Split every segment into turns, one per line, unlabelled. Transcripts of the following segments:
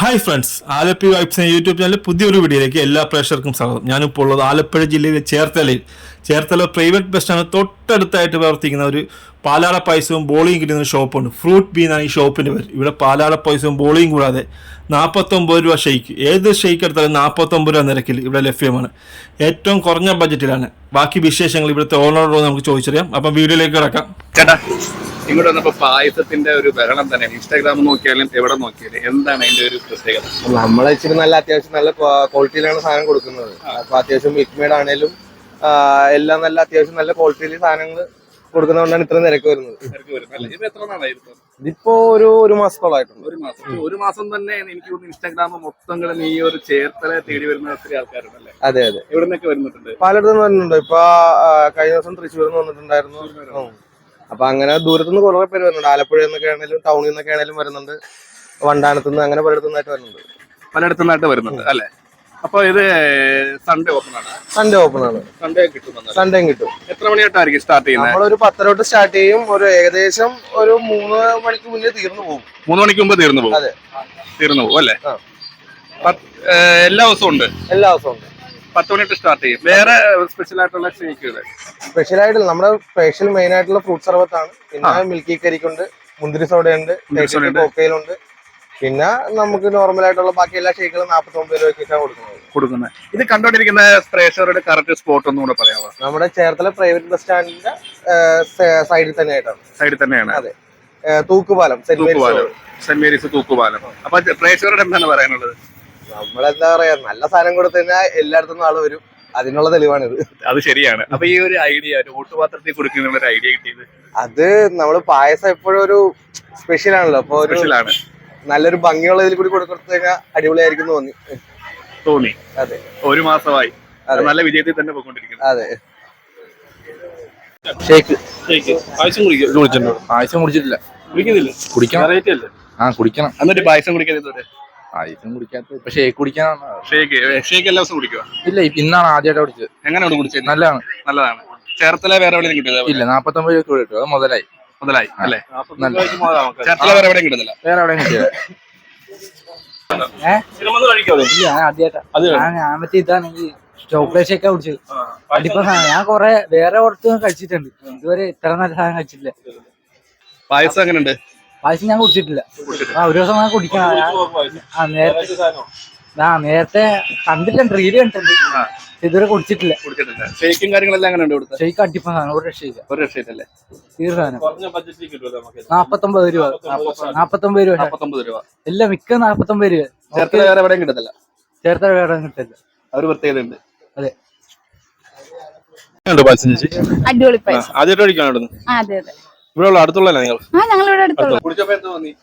Hi friends, Alleppey vibes YouTube ചാനലിൽ പുതിയൊരു വീഡിയോയിലേക്ക് എല്ലാ പ്രേക്ഷകർക്കും സ്വാഗതം. ഞാനിപ്പോൾ ഉള്ളത് ആലപ്പുഴ ജില്ലയിലെ ചേർത്തല പ്രൈവറ്റ് ബസ് സ്റ്റാൻഡ് തൊട്ടടുത്തായിട്ട് പ്രവർത്തിക്കുന്ന ഒരു പാലാട പായസവും ബോളിയും കിട്ടുന്ന ഒരു ഷോപ്പുണ്ട്. ഫ്രൂട്ട് ബീ എന്നാണ് ഈ ഷോപ്പിൻ്റെ പേര്. ഇവിടെ പാലാട പായസവും ബോളിയും കൂടാതെ 49 രൂപ ഷെയ്ക്ക്, ഏത് ഷെയ്ക്ക് എടുത്താലും 49 രൂപ നിരക്കിൽ ഇവിടെ ലഭ്യമാണ്. ഏറ്റവും കുറഞ്ഞ ബഡ്ജറ്റിലാണ്. ബാക്കി വിശേഷങ്ങൾ ഇവിടുത്തെ ഓണറോട് നമുക്ക് ചോദിച്ചറിയാം. അപ്പം വീഡിയോയിലേക്ക് കിടക്കാം.
ചേട്ടാ, ഇങ്ങോട്ട് വന്നപ്പോ പായസത്തിന്റെ ഒരു ബഹളം തന്നെയാണ്. ഇൻസ്റ്റാഗ്രാം നോക്കിയാലും എവിടെ നോക്കിയാലും എന്താണ് അതിന്റെ ഒരു പ്രത്യേകത?
നമ്മളെ ഇച്ചിരി നല്ല അത്യാവശ്യം നല്ല ക്വാളിറ്റിയിലാണ് സാധനം കൊടുക്കുന്നത്. അപ്പൊ അത്യാവശ്യം മിൽക്ക് മെയ്ഡ് ആണെങ്കിലും എല്ലാം നല്ല അത്യാവശ്യം നല്ല ക്വാളിറ്റിയിൽ സാധനങ്ങൾ കൊടുക്കുന്നതുകൊണ്ടാണ് ഇത്ര നിരക്ക് വരുന്നത്. ഇതിപ്പോ ഒരു മാസത്തോളായിട്ടുണ്ട്.
ഒരു മാസം തന്നെ എനിക്ക് തോന്നുന്നു ഇൻസ്റ്റാഗ്രാം മൊത്തം ഈ ഒരു ചേർത്തല തേടി വരുന്ന ഒത്തിരി ആൾക്കാരുണ്ടല്ലേ?
അതെ അതെ,
ഇവിടെ നിന്നൊക്കെ വരുന്നുണ്ട്,
പലയിടത്തുനിന്ന് വരുന്നുണ്ട്. ഇപ്പൊ കഴിഞ്ഞ ദിവസം തൃശ്ശൂരിൽ നിന്ന് വന്നിട്ടുണ്ടായിരുന്നു. അപ്പൊ അങ്ങനെ ദൂരത്തുനിന്ന് കുറെ പേര് വരുന്നുണ്ട്. ആലപ്പുഴയിൽ നിന്നൊക്കെ ആണെങ്കിലും ടൗണിൽ നിന്നൊക്കെ ആണെങ്കിലും വരുന്നുണ്ട്. വണ്ടാനത്തുനിന്ന് അങ്ങനെ
പലയിടത്തുനിന്നായിട്ട് വരുന്നുണ്ട് അല്ലെ? അപ്പൊ ഇത് സൺഡേ ഓപ്പൺ ആണ്.
സൺഡേ കിട്ടും.
എത്ര മണിയായിട്ടായിരിക്കും സ്റ്റാർട്ട് ചെയ്യുന്നത്?
നമ്മളൊരു 10 തൊട്ട് സ്റ്റാർട്ട് ചെയ്യും. ഒരു ഏകദേശം ഒരു 3 മണിക്ക് മുന്നേ തീർന്നു പോകും.
3 മണിക്ക് മുമ്പ് തീർന്നു പോകും.
അതെ,
തീർന്നു പോകും അല്ലെ? എല്ലാ ദിവസവും ഉണ്ട്. 10 മണിട്ട് സ്റ്റാർട്ട് ചെയ്യും. വേറെ സ്പെഷ്യൽ ആയിട്ടുള്ള ഷേക്കുകൾ?
സ്പെഷ്യലായിട്ട് നമ്മുടെ സ്പെഷ്യൽ മെയിൻ ആയിട്ടുള്ള ഫ്രൂട്ട് സർബത്താണ്. പിന്നെ മിൽക്കി കരിക്കുണ്ട്, മുന്തിരി സോഡയുണ്ട്, കോക്കയിലുണ്ട്. പിന്നെ നമുക്ക് നോർമൽ ആയിട്ടുള്ള ബാക്കി എല്ലാ ഷേക്കുകളും 49 രൂപയ്ക്കാണ് കൊടുക്കുന്നത്.
ഇത് കണ്ടോണ്ടിരിക്കുന്ന പ്രേക്ഷകരുടെ കറക്റ്റ് സ്പോട്ട് ഒന്നും കൂടെ പറയാമോ?
നമ്മുടെ ചേർത്തല പ്രൈവറ്റ് ബസ് സ്റ്റാൻഡിന്റെ സൈഡിൽ തന്നെയാണ്. അതെ, തൂക്കുപാലം,
സെന്റ് മേരീസ് തൂക്കുപാലം. അപ്പൊ പ്രേക്ഷകരോട് എന്താണ് പറയാനുള്ളത്?
നമ്മളെന്താ പറയാ, നല്ല സാധനം കൊടുത്തു കഴിഞ്ഞാൽ എല്ലായിടത്തും ആള് വരും. അതിനുള്ള തെളിവാണിത്.
അത് ശരിയാണ്. അപ്പൊ ഈ ഒരു ഐഡിയ, ഒരു ഓട്ടുപാത്രത്തിൽ കൊടുക്കുന്ന ഒരു ഐഡിയ കിട്ടിയത്,
അത് നമ്മള് പായസം എപ്പോഴും ഒരു സ്പെഷ്യൽ ആണല്ലോ. അപ്പൊ സ്പെഷ്യലാണ്, നല്ലൊരു ഭംഗിയുള്ള ഇതിൽ കൂടി കൊടുത്തു കഴിഞ്ഞാൽ അടിപൊളിയായിരിക്കും തോന്നി. അതെ,
ഒരു മാസമായി നല്ല വിജയത്തിൽ തന്നെ പോയിക്കൊണ്ടിരിക്കുന്നു.
അതെ,
പായസം കുടിച്ചിട്ടില്ല. കുടിക്കണം.
എന്നിട്ട് പായസം കുടിക്കാൻ
പായസം കുടിക്കാത്ത ഇപ്പൊ ഷേക്ക് കുടിക്കാനാണ്.
ഷേക്ക് എല്ലാ ദിവസം കുടിക്കുക?
ഇല്ല, ഇന്നാണ് ആദ്യമായിട്ട് കുടിച്ചത്.
എങ്ങനെയാണ് കുടിച്ചത്?
നല്ലതാണ്.
ചേർത്തല വേറെ എവിടെയും കിട്ടില്ല?
ഇല്ല, 49 രൂപ കിട്ടും. അത് മുതലായി
അല്ലേ? ചേർത്തല വേറെ എവിടെയും കിട്ടുന്നില്ല?
വേറെ എവിടെയും കിട്ടില്ല.
ഞാൻ മറ്റേ ഇതാണെങ്കിൽ ചോക്ലേറ്റ് ഷേക്കാ കുടിച്ചത്. അടിപ്പ ഞാൻ കൊറേ വേറെ പുറത്ത് കഴിച്ചിട്ടുണ്ട്. ഇതുവരെ ഇത്ര നല്ല സാധനം കഴിച്ചിട്ടില്ല.
പായസം എങ്ങനെയുണ്ട്?
പായസം ഞാൻ കുടിച്ചിട്ടില്ല. ഒരു ദിവസം ഞാൻ കുടിക്കണം. നേരത്തെ കണ്ടിട്ടുണ്ട്, റീല് കണ്ടിട്ടുണ്ട്. ഇതുവരെ കുടിച്ചിട്ടില്ല.
ഷേക്കും കാര്യങ്ങളെല്ലാം എങ്ങനെയുണ്ട് ഇവിടുത്തെ?
ഷേക്ക് അടിപ്പ സാധനം, ഒരു രക്ഷയില്ല. തീർച്ചയായും 49 രൂപ. 49 രൂപ എല്ലാം മിക്ക 49 രൂപ.
ചേർത്തല വേറെ എവിടെയും കിട്ടത്തില്ല.
ചേർത്തല വേറെ കിട്ടില്ല.
ഒരു പ്രത്യേകത ഉണ്ട്.
അതെ,
അടിപൊളി പായസം.
ആദ്യമായിട്ട് കഴിക്കാണ്?
അതെ അതെ,
ഇവിടെ അടുത്തുള്ള നിങ്ങൾ?
ഞങ്ങളിവിടെ അടുത്തുള്ള.
കുടിച്ചപ്പോ എന്ത് തോന്നി?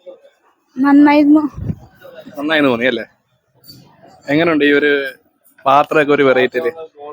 നന്നായിരുന്നു
തോന്നി അല്ലേ? എങ്ങനെയുണ്ട് ഈ ഒരു പാത്രമൊക്കെ? ഒരു വെറൈറ്റിയില്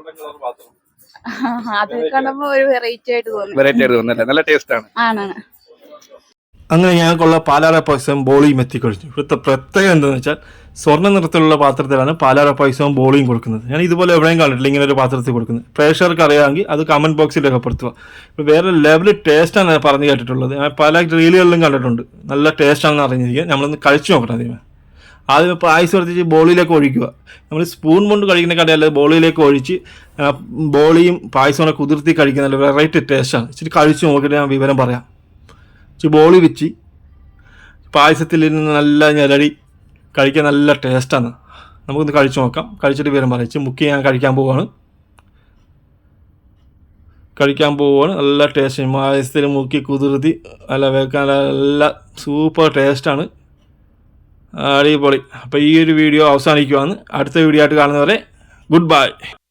അത് കാണുമ്പോ ഒരു വെറൈറ്റി ആയിട്ട്
തോന്നുന്നല്ലേ? നല്ല ടേസ്റ്റ് ആണ്.
അങ്ങനെ ഞങ്ങൾക്കുള്ള പാലാട പായസവും ബോളിയും എത്തിക്കഴിഞ്ഞു. ഇവിടുത്തെ പ്രത്യേകത എന്താണെന്ന് വെച്ചാൽ സ്വർണ്ണ നിറത്തിലുള്ള പാത്രത്തിലാണ് പാലാട പായസവും ബോളിയും കൊടുക്കുന്നത്. ഞാൻ ഇതുപോലെ എവിടെയും കണ്ടിട്ടില്ല ഇങ്ങനെ ഒരു പാത്രത്തിൽ കൊടുക്കുന്നത്. പ്രേക്ഷകർക്ക് അറിയാമെങ്കിൽ അത് കമൻറ്റ് ബോക്സിൽ രേഖപ്പെടുത്തുക. ഇപ്പോൾ വേറെ ലെവൽ ടേസ്റ്റാണ് പറഞ്ഞു കേട്ടിട്ടുള്ളത്. ഞാൻ പല റീലുകളിലും കണ്ടിട്ടുണ്ട്. നല്ല ടേസ്റ്റാണെന്ന് അറിഞ്ഞിരിക്കുക. നമ്മളൊന്ന് കഴിച്ചു നോക്കണം. ആദ്യം പായസം എടുത്തിട്ട് ബോളിയിലേക്ക് ഒഴിക്കുക. നമ്മൾ സ്പൂൺ കൊണ്ട് കഴിക്കുന്ന കടയല്ല, ബോളിയിലേക്ക് ഒഴിച്ച് ബോളിയും പായസവും കൂടെ കുതിർത്തി കഴിക്കുന്ന നല്ല വെറൈറ്റി ടേസ്റ്റാണ്. ഇച്ചിരി കഴിച്ചു നോക്കിയിട്ട് ഞാൻ വിവരം പറയാം. ഇച്ചിരി ബോളി വെച്ച് പായസത്തിൽ നിന്ന് നല്ല ഞെരടി കഴിക്കാൻ നല്ല ടേസ്റ്റാണ്. നമുക്കൊന്ന് കഴിച്ചു നോക്കാം. കഴിച്ചിട്ട് വിവരം പറയാം. മുക്കി ഞാൻ കഴിക്കാൻ പോവുകയാണ്. നല്ല ടേസ്റ്റ്. പായസത്തിൽ മുക്കി കുതിർത്തി നല്ല വെക്കാൻ നല്ല സൂപ്പർ ടേസ്റ്റാണ്. അടിപൊളി. അപ്പോൾ ഈ ഒരു വീഡിയോ അവസാനിക്കുവാണ്. അടുത്ത വീഡിയോ ആയിട്ട് കാണുന്നവരെ ഗുഡ് ബൈ.